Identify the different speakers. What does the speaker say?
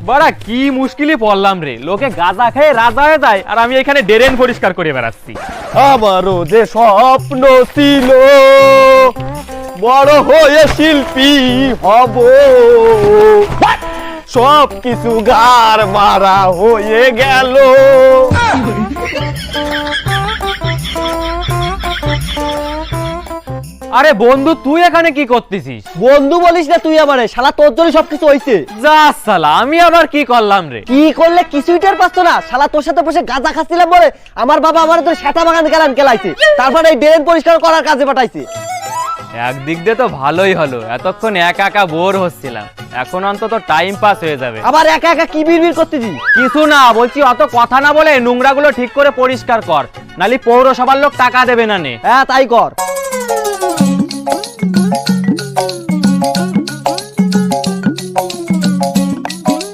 Speaker 1: বড়া কি মুশকিলই পড়লাম রে, লোকে গাঁজা খেয়ে রাজা হয়ে যায় আর আমি এখানে ড্রেন পরিষ্কার করে বেড়াচ্ছি।
Speaker 2: আমারও যে স্বপ্ন ছিল বড় হয়ে শিল্পী হব, সব কিছু গার মারা হয়ে গেল।
Speaker 1: আরে বন্ধু তুই এখানে কি করতেছিস?
Speaker 2: বন্ধু বলিস না তুই আমারে, শালা তোর জন্য সবকিছু হইছে।
Speaker 1: যা সালা, আমি আবার কি করলাম রে?
Speaker 2: কি করলে কিছুই টের পাচ্ছ না? শালা তোর সাথে বসে গাঁজা খাচ্ছিলাম বলে আমার বাবা আমার তোর সেটা বাগান গেলান কেলাইছে, তারপরে এই ড্রেন পরিষ্কার করার কাজে পাঠাইছে।
Speaker 1: একদিক দিয়ে তো ভালোই হলো, এতক্ষণ একা একা বোর হচ্ছিলাম, এখন অন্তত টাইম পাস হয়ে যাবে।
Speaker 2: আবার একা একা কি বিড়বিড় করতেছিস?
Speaker 1: কিছু না, বলছি অত কথা না বলে নোংরাগুলো ঠিক করে পরিষ্কার কর, নালি পৌরসভার লোক টাকা দেবে না নে।
Speaker 2: হ্যাঁ তাই কর।